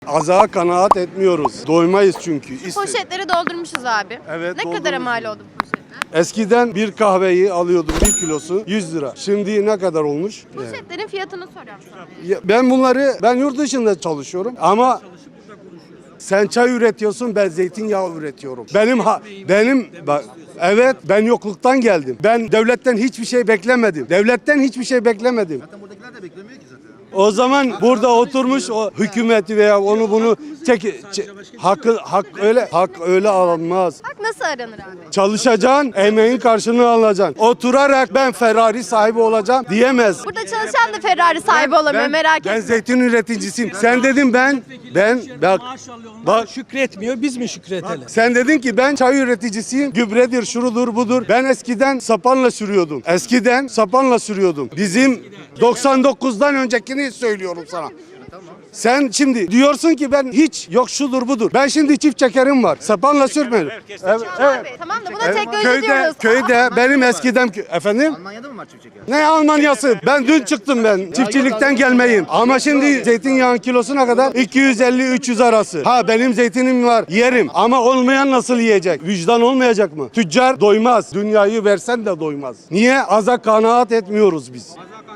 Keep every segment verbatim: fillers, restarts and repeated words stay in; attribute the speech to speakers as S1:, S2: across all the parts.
S1: Azağa kanaat etmiyoruz. Doymayız çünkü. İste-
S2: Poşetleri doldurmuşuz abi.
S1: Evet,
S2: Ne kadara
S1: doldurmuşuz.
S2: mal oldu bu poşetler?
S1: Eskiden bir kahveyi alıyordum bir kilosu yüz lira. Şimdi ne kadar olmuş? Yani.
S2: Poşetlerin fiyatını soruyorum sana.
S1: Ya ben bunları ben yurt dışında çalışıyorum ama sen çay üretiyorsun, ben zeytinyağı üretiyorum. Benim ha, benim bak evet ben yokluktan geldim. Ben devletten hiçbir şey beklemedim. Devletten hiçbir şey beklemedim.
S3: Zaten buradakiler de beklemiyor ki zaten.
S1: O zaman burada oturmuş o hükümeti veya onu bunu çek, çek hakkı hak öyle hak öyle alınmaz.
S2: Bak nasıl aranır abi?
S1: Çalışacaksın, emeğin karşılığını alacaksın. Oturarak ben Ferrari sahibi olacağım diyemez.
S2: Burada çalışan da Ferrari sahibi olamıyor,
S1: ben,
S2: merak
S1: ben
S2: etme.
S1: zeytin üreticisiyim. Sen dedin ben ben bak bak
S4: Şükretmiyor, biz mi şükretelim?
S1: sen dedin ki ben çay üreticisiyim. Gübredir, şurudur, budur. Ben eskiden sapanla sürüyordum. Eskiden sapanla sürüyordum. Bizim doksan dokuzdan öncekini söylüyorum sana. Sen şimdi diyorsun ki ben hiç yok şudur budur. Ben şimdi çift çekerim var. Sapanla sürmedim. Evet,
S2: Tamam
S1: evet.
S2: abi, tamam da buna
S1: Evet,
S2: teknoloji
S1: köyde,
S2: diyoruz.
S1: köyde benim eskiden kö- efendim
S3: Almanya'da mı var çift çeker?
S1: ne Almanyası? Ben dün çıktım ben. Çiftçilikten gelmeyim. Ama şimdi zeytinyağın kilosuna kadar iki yüz elli üç yüz arası. Ha benim zeytinim var yerim. Ama olmayan nasıl yiyecek? Vicdan olmayacak mı? Tüccar doymaz. Dünyayı versen de doymaz. Niye? Aza kanaat etmiyoruz biz.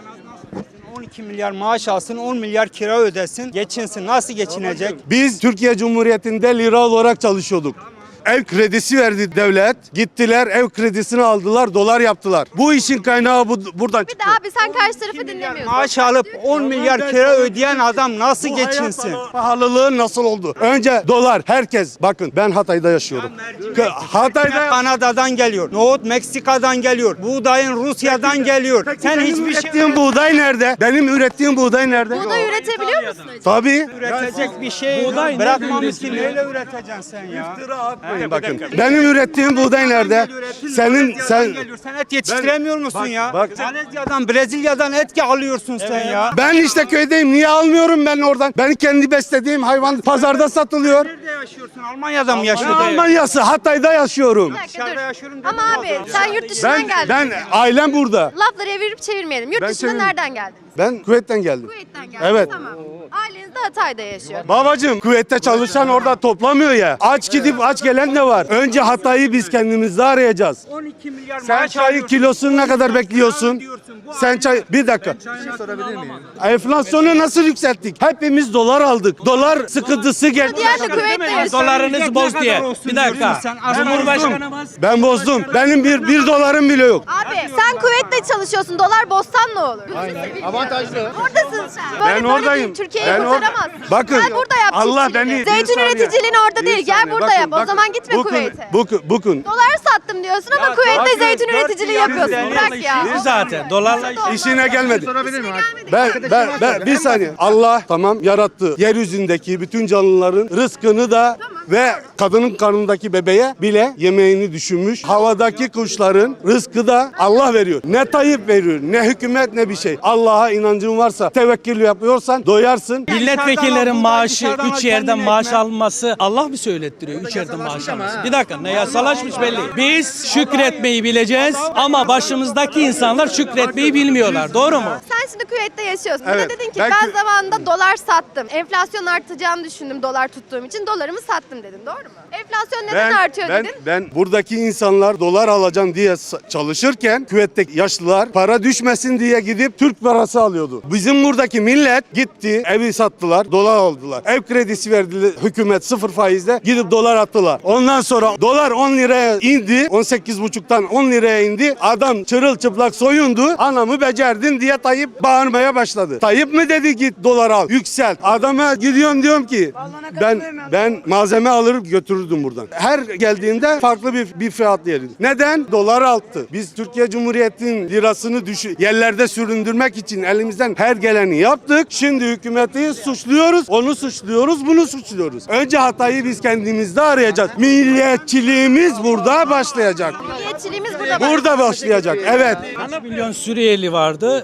S4: on iki milyar maaş alsın, on milyar kira ödesin, geçinsin. Nasıl geçinecek?
S1: Biz Türkiye Cumhuriyeti'nde lira olarak çalışıyorduk. Ev kredisi verdi devlet. Gittiler ev kredisini aldılar, dolar yaptılar. Bu işin kaynağı bu, buradan
S2: Bir
S1: çıktı.
S2: de abi sen karşı tarafı dinlemiyorsun.
S4: Maaş alıp on milyar kira ödeyen adam nasıl
S1: Bu hayat
S4: geçinsin?
S1: pahalı- Pahalılığı nasıl oldu? Önce dolar. Herkes bakın ben Hatay'da yaşıyorum. K- Hatay'da
S4: Kanada'dan geliyor, nohut Meksika'dan geliyor, buğdayın Rusya'dan geliyor. Sen
S1: benim
S4: hiçbir şey
S1: ürettiğim buğday nerede? Benim ürettiğim buğday nerede?
S2: Buğday üretebiliyor musun acaba?
S1: Tabii.
S4: üretecek bir şey bırakmamışsın. Neyle üreteceksin sen ya?
S1: Bakın, bakın. Benim ürettiğim buğday nerede? Senin sen
S4: Geliyor. Sen et yetiştiremiyor musun
S1: Bak,
S4: ya?
S1: bak.
S4: Malezya'dan, Brezilya'dan et alıyorsun sen ya.
S1: ben işte köydeyim. Niye almıyorum ben oradan? Ben kendi beslediğim hayvan pazarda satılıyor.
S4: Nerede yaşıyorsun? Almanya'da mı
S1: Ne
S4: yaşıyorsun?
S1: Almanya'sı? Hatay'da yaşıyorum.
S2: Bir dakika
S4: Dışarıda
S2: dur.
S4: yaşıyorum
S2: Ama
S4: dedim
S2: abi sen yurt dışından
S1: Ben
S2: geldin.
S1: ben ailem burada.
S2: Lafları evirip çevirmeyelim. Yurt
S1: Ben
S2: dışından
S1: çevirmem.
S2: nereden geldiniz?
S1: Ben Kuveyt'ten geldim.
S2: Kuveyt'ten geldiniz.
S1: Evet.
S2: Tamam. Aileniz de Hatay'da yaşıyor.
S1: Babacım Kuveyt'te çalışan orada toplamıyor ya. Aç gidip aç gelen de var. Önce Hatay'ı biz kendimizde arayacağız.
S4: on iki milyar
S1: Sen
S4: maaş
S1: çayı
S4: alıyorsun.
S1: kilosunu ne kadar bekliyorsun? Sen çay bir dakika.
S3: Sorabilir miyim?
S1: Enflasyonu nasıl yükselttik? Hepimiz dolar aldık. Dolar sıkıntısı geldi.
S2: Diğer de Kuveyt'te yaşıyor.
S5: Dolarınız boz diye. Bir dakika.
S4: Sen
S5: Cumhurbaşkanımız
S1: Ben bozdum. Benim bir, bir dolarım bile yok.
S2: Abi sen Kuveyt'te çalışıyorsun. Dolar bozsan ne olur?
S3: Avantajlı.
S2: Oradasın sen. Böyle
S1: Ben
S2: böyle
S1: oradayım.
S2: bir Türkiye'yi
S1: Ben or-
S2: kurtaramazsın.
S1: Bakın,
S2: Gel burada yap
S1: Allah
S2: çiftçiliğini.
S1: beni- bir
S2: Zeytin
S1: saniye.
S2: üreticiliğin orada
S1: Bir
S2: değil. Gel
S1: saniye,
S2: burada
S1: bakın,
S2: yap. O
S1: bakın.
S2: zaman gitme
S1: Bugün-
S2: Kuveyt'e.
S1: Bugün, bugün.
S2: Dolar sattım diyorsun ama Kuveyt'te
S1: bakın,
S2: zeytin
S1: dört
S2: üreticiliği
S1: milyar
S2: yapıyorsun.
S1: yüz
S2: Bırak ya.
S5: işi zaten. Dolarla işi.
S1: İşine gelmedi.
S3: Sorabilir miyim abi?
S1: Ben, ben, ben bir saniye. Allah tamam yarattı. Yeryüzündeki bütün canlıların rızkını da ve kadının karnındaki bebeğe bile yemeğini düşünmüş. Havadaki kuşların rızkı da Allah veriyor. Ne Tayyip veriyor, ne hükümet ne bir şey. Allah'a inancın varsa, tevekkül yapıyorsan doyarsın.
S5: Milletvekillerin maaşı
S4: dışarıdan al,
S5: üç yerden
S4: kendine
S5: maaş
S4: ekmek.
S5: alması Allah mı söylettiriyor? Üç yerden maaş alması. Bir dakika ne yasalaşmış belli. Biz şükretmeyi bileceğiz ama başımızdaki insanlar şükretmeyi bilmiyorlar. Doğru mu?
S2: Sen şimdi Kuveyt'te yaşıyorsun.
S1: Evet.
S2: Bir de dedin ki
S1: Ben
S2: ben,
S1: Kü-
S2: zamanında dolar sattım. Enflasyon artacağını düşündüm dolar tuttuğum için. Dolarımı sattım dedin. Doğru mu? Enflasyon neden artıyor
S1: ben,
S2: dedin?
S1: ben buradaki insanlar dolar alacağım diye sa- çalışırken küvetteki yaşlılar para düşmesin diye gidip Türk parası alıyordu. Bizim buradaki millet gitti evi sattılar dolar aldılar. Ev kredisi verdiler hükümet sıfır faizle gidip dolar attılar. Ondan sonra dolar on liraya indi on sekiz buçuktan on liraya indi. Adam çırılçıplak soyundu. Anamı becerdin diye Tayyip bağırmaya başladı. Tayyip mi dedi git dolar al yüksel. Adama gidiyorum diyorum ki ben ben malzeme alır götürürdüm buradan. Her geldiğimde farklı bir, bir fiyat yerim. Neden? Dolar arttı. Biz Türkiye Cumhuriyeti'nin lirasını düşü yerlerde süründürmek için elimizden her geleni yaptık. Şimdi hükümeti suçluyoruz. Onu suçluyoruz, bunu suçluyoruz. Önce hatayı biz kendimizde arayacağız. Milliyetçiliğimiz burada başlayacak.
S2: Milliyetçiliğimiz burada.
S1: Burada başlayacak. Evet.
S5: kaç milyon Suriyeli vardı. Suriyeli'ye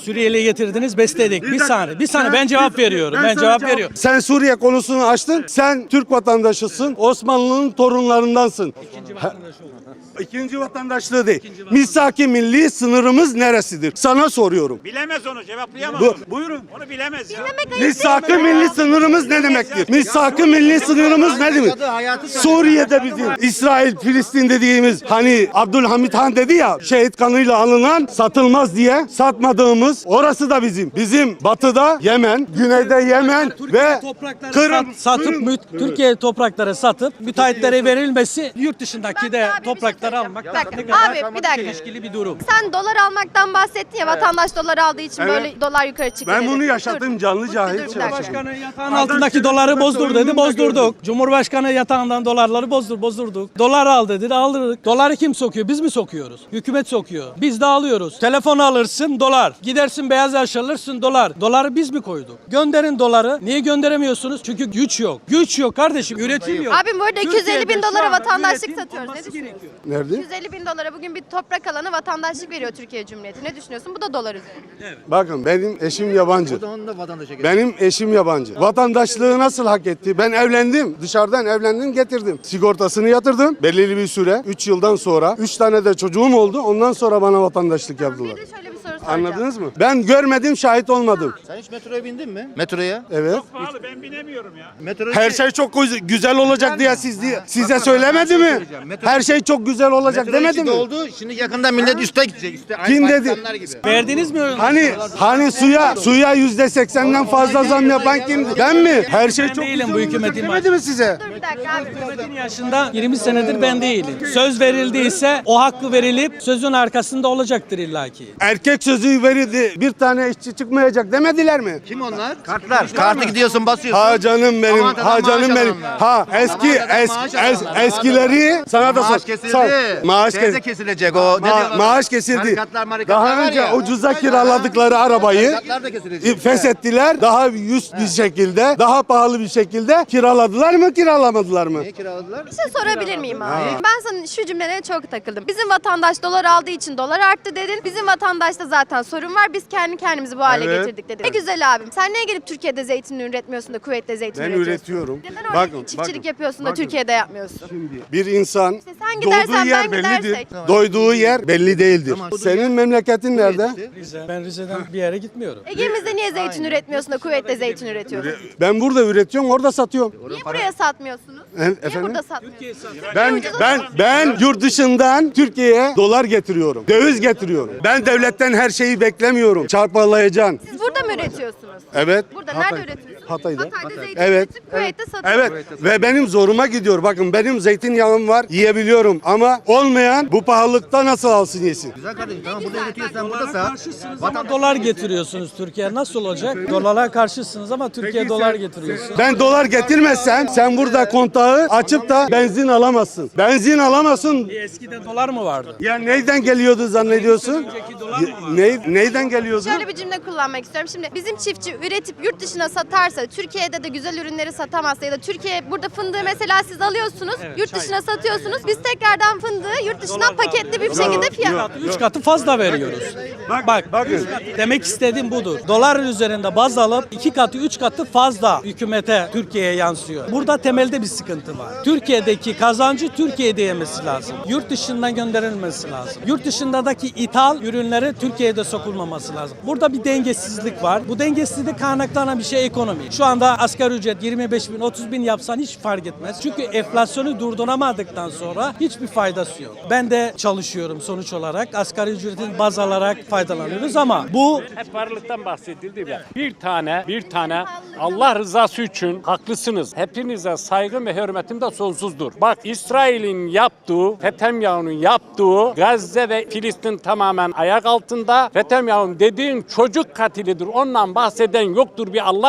S5: getirdiniz, besledik. Bir saniye, bir saniye ben cevap veriyorum. Ben
S1: sana
S5: cevap veriyorum.
S1: Sen Suriye konusunu açtın. Sen Türk vatandaşısın. Osmanlı'nın torunlarındansın. İkinci vatandaş İkinci vatandaşlığı değil. Misak-ı milli sınırımız neresidir? Sana soruyorum.
S6: Bilemez onu cevaplayamaz.
S1: Bu-
S6: Buyurun. Onu bilemez ya.
S1: Misak-ı milli sınırımız ne demektir? Misak-ı milli sınırımız ne demek? Suriye'de bizim İsrail, Filistin dediğimiz hani Abdülhamit Han dedi ya şehit kanıyla alınan satılmaz diye satmadığımız orası da bizim. Bizim batıda Yemen, güneyde Yemen ve
S5: Toprakları
S1: Kırım.
S5: sat- satıp mü- Türkiye toprakları satıp müteahhitlere verilmesi yurt dışındaki de
S2: Abi bir şey
S5: toprakları
S2: söyleyeceğim.
S5: almak
S2: Bir dakika.
S5: ne kadar
S2: Abi bir dakika.
S5: çelişkili bir durum.
S2: Sen dolar almaktan bahsettin ya vatandaş dolar aldığı için
S1: Evet.
S2: böyle dolar yukarı çıktı
S1: Ben
S2: dedin.
S1: bunu
S2: Dur.
S1: yaşadım, canlı
S2: Dur,
S1: cahil
S2: dur, bir dakika.
S1: yaşadım.
S5: Cumhurbaşkanı yatağın altındaki doları bozdur dedi, bozdurduk. Cumhurbaşkanı yatağından dolarları bozdur, bozdurduk. Dolar al dedi, aldırdık. Doları kim sokuyor? Biz mi sokuyoruz? Hükümet sokuyor. Biz de alıyoruz. Telefon alırsın dolar. Gidersin beyaz eşya alırsın dolar. Doları biz mi koyduk? Gönderin doları. Niye gönderemiyorsunuz? Çünkü güç yok. Güç yok kardeşim. Üretim yok.
S2: Abim bu arada iki yüz elli bin
S5: Türkiye'de şu
S2: dolara
S5: anda
S2: vatandaşlık
S5: üretim
S2: satıyoruz. Ne
S5: olması
S2: düşünüyorsun?
S5: gerekiyor.
S1: Nerede?
S2: iki yüz elli bin dolara bugün bir toprak alanı vatandaşlık veriyor Türkiye Cumhuriyeti. Ne düşünüyorsun? Bu da dolar üzerinde.
S1: Bakın benim eşim yabancı.
S3: O da onun da vatandaşa göre.
S1: Benim eşim yabancı. Vatandaşlığı nasıl hak etti? Ben evlendim. Dışarıdan evlendim getirdim. Sigortasını yatırdım. Belirli bir süre. üç yıldan sonra. üç tane de çocuğum oldu. Ondan sonra bana vatandaşlık yaptılar.
S2: Bir de şöyle bir soru soracağım.
S1: Anladınız mı? Ben görmedim, şahit olmadım.
S3: Sen hiç metroya bindin mi? Metroya?
S1: Evet.
S6: Pahalı ben binemiyorum ya.
S3: Metroya
S1: Her şey çok güz- güzel olacak diye siz diye size söylemedi mi? Her şey çok güzel olacak
S3: Metro
S1: demedi
S3: içi
S1: mi?
S3: doldu. Şimdi yakında millet üste gidecek. Üste, aynı
S1: Kim dedi?
S3: Pakistanlar gibi.
S5: Verdiniz mi?
S1: Hani hani suya suya yüzde seksenden fazla zam yapan kimdi? Ben mi? Her şey
S5: Ben
S1: çok
S5: değilim
S1: güzel
S5: bu
S1: olacak
S5: hükümetin
S1: demedi mi size?
S2: Dur bir dakika abi.
S5: Hükümetin yaşında yirmi senedir ben değilim. Söz verildiyse o hakkı verilip sözün arkasında olacaktır illaki.
S1: Erkek sözü verildi. Bir tane işçi çıkmayacak demediler mi?
S3: Kim onlar? Kartlar. Kartı gidiyorsun basıyorsun.
S1: Ha canım benim,
S3: Avantadan
S1: ha canım
S3: maaş
S1: benim.
S3: alanlar.
S1: Ha eski
S3: Avantadan
S1: es,
S3: maaş
S1: es,
S3: alanlar.
S1: eskileri sana da sor.
S3: Maaş kesildi.
S1: sor. Maaş
S3: Şeyde
S1: kes-
S3: kesilecek o. Ne
S1: Ma-
S3: diyorlar?
S1: maaş kesildi.
S3: Tarikatlar, marikatlar
S1: Daha
S3: var
S1: önce
S3: ya.
S1: ucuza kiraladıkları arabayı
S3: Tarikatlar da kesilecek.
S1: feshettiler. Daha üst bir şekilde, daha pahalı bir şekilde kiraladılar mı, kiralamadılar mı?
S3: Niye kiraladılar?
S2: Bir şey sorabilir miyim abi? Ben sana şu cümlelere çok takıldım. Bizim vatandaş dolar aldığı için dolar arttı dedin. Bizim vatandaşta zaten sorun var. Biz kendi kendimizi bu hale
S1: Evet.
S2: getirdik dedin. Ne güzel abim. Sen niye gelip Türkiye'de zeytin üretmiyorsun da Kuveyt'te zeytin
S1: Ben
S2: üretiyorsun?
S1: üretiyorum.
S2: Neden orada
S1: Bakın,
S2: çiftçilik
S1: bakın,
S2: yapıyorsun da
S1: bakın.
S2: Türkiye'de yapmıyorsun?
S1: Bir insan
S2: sen gidersen
S1: doğduğu yer
S2: ben
S1: bellidir.
S2: gidersek.
S1: Doyduğu yer belli değildir.
S3: Tamam.
S1: Senin memleketin nerede?
S5: Rize. Ben Rize'den bir yere gitmiyorum.
S2: Ege'mizde niye zeytin üretmiyorsun da Kuveyt'te zeytin üretiyorsun?
S1: Ben burada üretiyorum, orada satıyorum.
S2: Niye buraya satmıyorsunuz?
S1: E-
S2: Niye
S1: efendim?
S2: burada satmıyorsunuz?
S1: Ben
S2: ucuza
S1: ben
S2: satıyorsun?
S1: ben yurt dışından Türkiye'ye dolar getiriyorum. Döviz getiriyorum. Ben devletten her şeyi beklemiyorum. Çarpalayacaksın.
S2: Siz burada mı üretiyorsunuz?
S1: Evet.
S2: Burada
S1: Hatay-
S2: nerede üretiyorsunuz?
S1: Hatay'da.
S2: Hatay'da zeytin
S1: Evet.
S2: üretip Kuveyt'te satıyorsunuz.
S1: Evet ve benim zoruma gidiyor. Bakın benim zeytinyağım var, yiyebiliyorum ama olmayan bu pahalılıkta nasıl alsın yesin?
S3: Güzel kardeşim tamam burada üretiyorsan burada sat.
S5: Ama dolar getiriyorsunuz Türkiye. Nasıl olacak? Dolara karşısınız ama Türkiye dolar getiriyorsunuz.
S1: Ben dolar getirmezsem sen burada kontağı açıp da benzin alamazsın. Benzin alamazsın.
S5: Eskiden dolar mı vardı?
S1: Ya neyden geliyordu zannediyorsun? Ya, ne, neyden geliyordu?
S2: Şöyle bir cümle kullanmak istiyorum. Şimdi bizim çiftçi üretip yurt dışına satarsa, Türkiye'de de güzel ürünleri satamazsa ya da Türkiye burada fındığı mesela siz alıyorsunuz, yurt dışına satıyorsunuz. Biz tekrardan fındığı yurt dışından paketli bir şekilde fiyat.
S5: Üç katı fazla veriyoruz. Bak,
S1: bakın.
S5: üç katı. Demek istediğim budur. Dolar üzerinde baz alıp iki katı, üç katı fazla hükümete, Türkiye'ye yansıyor. Burada temelde bir sıkıntı var. Türkiye'deki kazancı Türkiye'de yemesi lazım. Yurt dışından gönderilmesi lazım. Yurt dışındaki ithal ürünleri Türkiye'de sokulmaması lazım. Burada bir dengesizlik var. Bu dengesizlik kaynaklanan bir şey ekonomi. Şu anda asgari ücret yirmi beş bin, otuz bin yapsan hiç fark etmez. Çünkü enflasyonu durduramadıktan sonra hiçbir faydası yok. Ben de çalışıyorum sonuç olarak. Asgari ücretin baz alarak faydalanıyoruz ama bu
S6: Hep varlıktan bahsedildi ya. Bir tane, bir tane Allah rızası için haklısınız. Hepinize saygım ve hürmetim de sonsuzdur. Bak İsrail'in yaptığı, Netanyahu'nun yaptığı Gazze ve Filistin tamamen ayak altında. Netanyahu dediğin çocuk katilidir. Ondan bahseden yoktur bir Allah rızası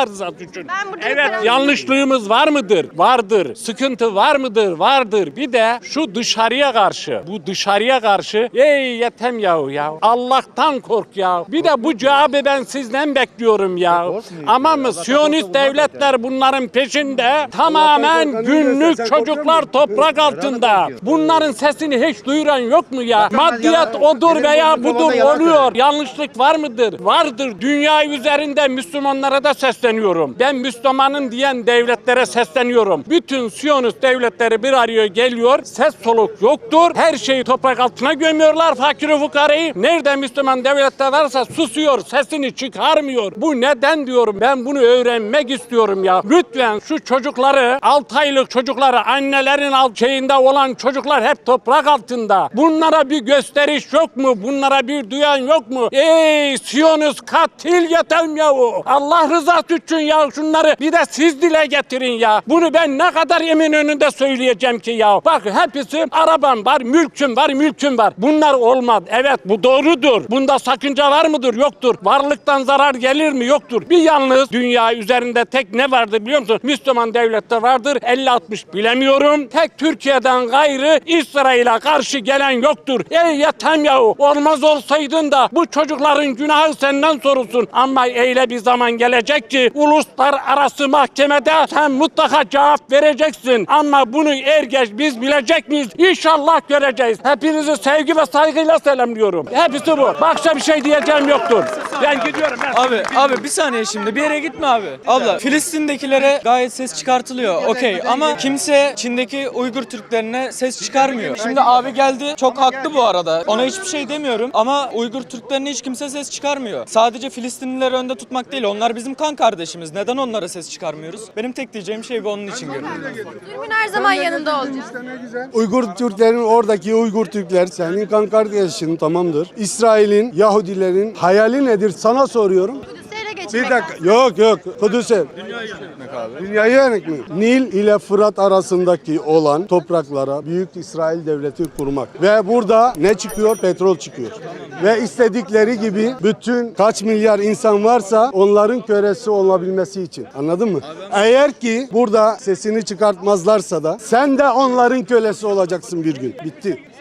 S6: için.
S2: Ben burada
S6: Evet,
S2: referans-
S6: yanlışlığımız var mıdır? Vardır. Sıkıntı var mıdır? Vardır. Bir de şu dışarıya karşı, bu dışarıya karşı ey yetem yahu ya. Allah'tan kork ya. Bir de bu cevabı ben sizden bekliyorum ya. Ama mı Siyonist devletler bunların peşinde tamamen günlük çocuklar toprak altında. Bunların sesini hiç duyuran yok mu ya? Maddiyat odur veya budur oluyor. Yanlışlık var mıdır? Vardır. Dünya üzerinde Müslümanlara da sesleniyorum. Ben Müslümanım diyen devletlere sesleniyorum. Bütün Siyonist devletleri bir araya geliyor. Ses soluk yoktur. Her şeyi toprak altına gömüyorlar. Fakir fukarayı. Nerede Müslüman devletler varsa susuyor. Sesini çıkarmıyor. Bu neden diyorum. Ben bunu öğrenmek istiyorum ya. Lütfen şu çocukları, altı aylık çocukları, annelerin alt şeyinde olan çocuklar hep toprak altında. Bunlara bir gösteriş yok mu? Bunlara bir duyan yok mu? Ey Siyonist katil yetem yahu. Allah rızası için ya şunları bir de siz dile getirin ya. Bunu ben ne kadar emin önünde söyleyeceğim ki ya. Bak hepsi arabam var, mülküm var, mülküm var. Bunlar olmaz. Evet bu doğrudur. Bunda sakınca var mıdır? Yoktur. Varlıktan zarar gelir mi? Yoktur. Bir yalnız dünya üzerinde tek ne vardır biliyor musun? Müslüman devlette vardır. elli altmış bilemiyorum. Tek Türkiye'den gayrı İsrail'e karşı gelen yoktur. Ey yetem yahu. Olmaz olsaydın da bu çocukların günahı senden sorulsun. Ama eyle bir zaman gelecek ki uluslararası mahkemede sen mutlaka cevap vereceksin. Ama bunu er geç biz bilecek miyiz? İnşallah göreceğiz. Hepinizi sevgi ve saygıyla selamlıyorum. Hepsi bu. Başka bir şey diyeceğim yoktur. Ben gidiyorum. Ben
S7: Abi abi bir saniye şimdi bir yere gitme abi. Abla Filistin'dekilere gayet ses çıkartılıyor. Okey ama kimse Çin'deki Uygur Türklerine ses çıkarmıyor. Şimdi abi geldi çok haklı bu arada. Ona hiçbir şey demiyorum ama Uygur Türklerine hiç kimse ses çıkarmıyor. Sadece Filistinlileri önde tutmak değil. Onlar bizim kan kardeşimiz. Neden onlara ses çıkarmıyoruz? Benim tek diyeceğim şey bu, onun için görüyorum.
S2: Zulmün her zaman yanında olacağız.
S1: Uygur Türklerin oradaki Uygur Türkler senin kan kardeşin tamamdır. İsrail'in, Yahudilerin hayali nedir sana soruyorum.
S2: Kudüs'ü ele geçirmek
S1: Bir dakika. Yok yok. Kudüs'e. Dünyayı yönetmek mi? Nil ile Fırat arasındaki olan topraklara Büyük İsrail Devleti kurmak. Ve burada ne çıkıyor? Petrol çıkıyor. Ve istedikleri gibi bütün kaç milyar insan varsa onların kölesi olabilmesi için. Anladın mı? Eğer ki burada sesini çıkartmazlarsa da sen de onların kölesi olacaksın bir gün. Bitti.